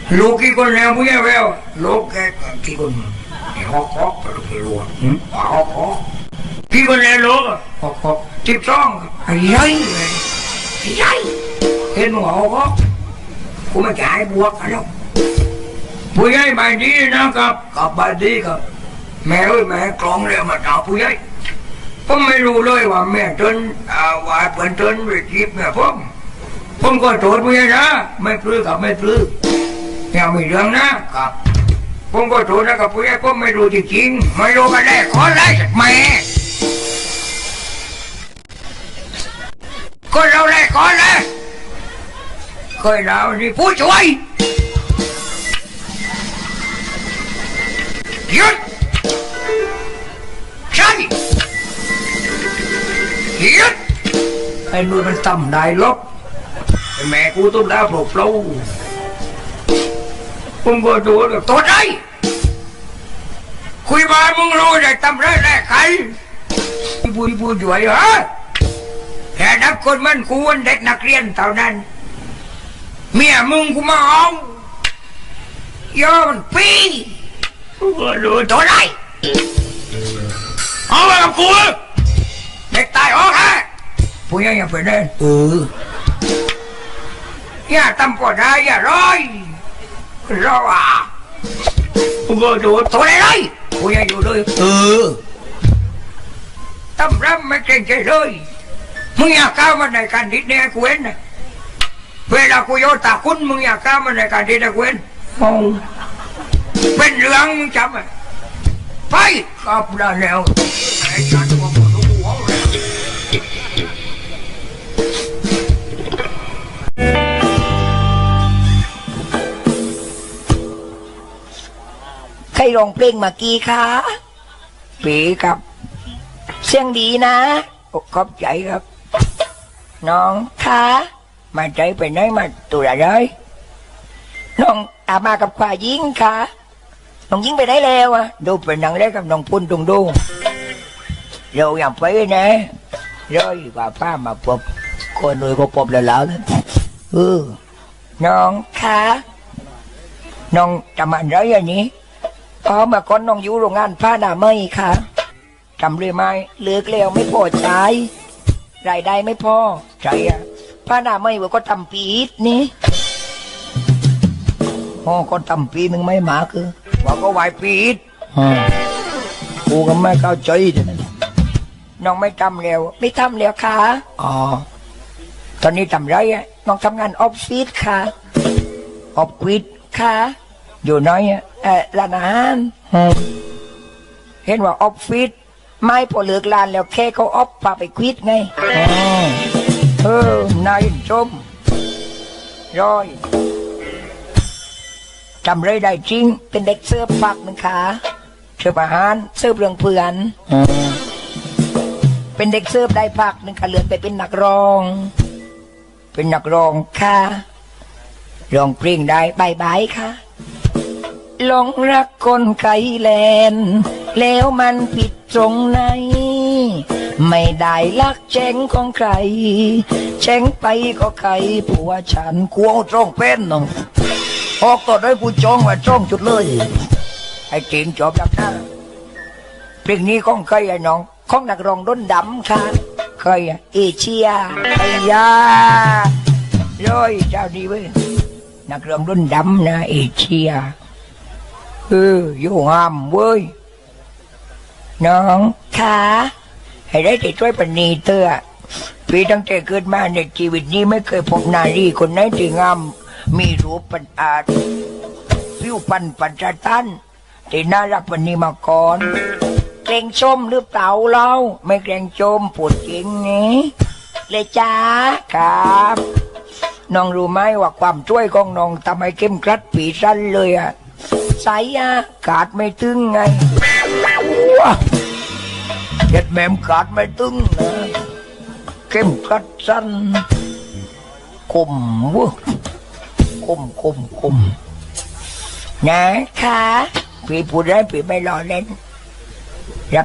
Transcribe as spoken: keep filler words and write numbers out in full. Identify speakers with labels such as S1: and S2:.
S1: ลูกกี่คนแล้วผู้ใหญ่แววลูกแกกี่คนฮอกฮอกไปลูกไปรัวฮอกฮอกกี่คนแล้วลูกฮอกฮอกสิบสองใหญ่เลยใหญ่เห็นหัวฮอกกูไม่จ่ายบวกกันแล้วผู้ใหญ่ใบดีนะครับกับใบดีครับแม่เอ้ยแม่กลองเรียกมาถามผู้ใหญ่ผมไม่รู้เลยว่าแม่จนว่าเปิดจนไปจีบแม่ผมผมก็โทษผู้ใหญ่นะไม่ปลื้มกับไม่ปลื้มอย่ามีเรื่องนะครับผมก็โทษนะกับผู้ใหญ่ผมไม่รู้จริงๆไม่รู้กันแน่ขอไล่แม่ก็เราแรกก่อนเลยเคยเรานี่ผู้ช่วยหยุดใช่หยุดไอ้นู่นมันต่ำได้ลบแม่กูต้องได้ปลุกเราผมก็ดูแบบตัวไหนคุยมามึงรู้ได้ทำไรแรกใครพูดพูดอยู่ไอ้เหรอแค่นับคนมันกูวันเด็กนักเรียนเท่านั้นเมียมึงกูมาเอาย้อนปีดูตัวไหนเอาไปกับกูเด็กตายออกฮะผู้ใหญ่ยังไปเดินเอออย่าทำปวดได้อย่าร้อยรออ่ะกูก็ดูตัวไหนเลยผู้ใหญ่อยู่เลยเออทำรับไม่เก่งใจเลยมึงอยากก้าวมาในการดิดเนี่ยกูเห็นนะเวลากูโยตาคุณมึงอยากก้าวมาในการดิดเนี่ยกูเห็นมองเป็นเรื่องมึงจำไหมไปกลับได้แล้วไอ้ฉันก็บอกลูกหัวเลย
S2: ใครร้องเพลงเมื่อกี้คะปีครับเสียงดีนะขอบใจครับน้องคะมาใจไปไหนมาตัวอะไรน้องอามากับควายิงค่ะน้องยิงไปได้แล้วอ่ะดูเป็นหนังได้กับน้องพุ่นตรงดูเราอย่างไปนะร้อยกว่าป้ามาพบคนรวยก็พบแล้วแล้วเออน้องคะน้องทำอะไรอย่างนี้อ๋อเมื่อก่อนน้องอยู่โรงงานผ้าหนาเมย์ค่ะทำเรื่อยมาเลือกแล้วไม่พอใจรายได้ไม่พอใช่อะผ้าหนาเมย์ว่าก็ทำปีดนี่อ๋อก็ทำปีหนึ่งไม่หมาคือว่าก็ไหวปีดกูก็ไม่เข้าใจแต่นั้นน้องไม่ทำแล้วไม่ทำแล้วค่ะอ๋อตอนนี้ทำไรอะน้องทำงานออฟฟิศค่ะออฟฟิศค่ะอยู่น้อยอะเออร้านอาหารเห็นว่าออฟฟิศไม่พอเลิกร้านแล้วแค่เขาออฟพาไปควิดไงเออนายชมร้อยจำไรได้จริงเป็นเด็กเสื้อปักหนึ่งขาเสื้ออาหารเสื้อเรื่องเพื่อนเป็นเด็กเสื้อได้พักหนึ่งขาเลื่อนไปเป็นนักร้องเป็นนักร้องค่ะร้องเพลงได้บายบายค่ะหลงรักคนไกลแลนแล้วมันผิดตรงไหนไม่ได้รักแจ้งของใครแจ้งไปก็ใครผัวฉันกลัวจ้องเป็นน้องออกต่อได้กูจ้องว่าจ้องจุดเลยไอ้จริงจบดับหน้าเพลงนี้ของใครไอ้น้องของนักร้องด้นดำค่ะใครเอเชียไอ้ยาร้อยเจ้าดีเว้ยนักร้องด้นดำนะเอเชียเอออยู่งามเว้ยน้องค่ะให้ได้แต่ช่วยปณีเตอพี่ตั้งแต่เกิดมาในชีวิตนี้ไม่เคยพบนารีคนไหนที่งามมีรูปปัญอาจผิวพรรณปัจจตันที่น่ารักปณีมาก่อนเกรงชมหรือเปล่าเราไม่เกรงชมปวดจริงนี้เลยจ้าครับน้องรู้ไหมว่าความช่วยของน้องทำให้เข้มกรัดปีสั้นเลยอ่ะใส่อากาศไม่ตึงไงเด็ดแม่มกาดไม่ตึงนะเข้มกรัดสั้นคมวะคมคมคมนะคะพี่พูดได้พี่ไม่รอเล่น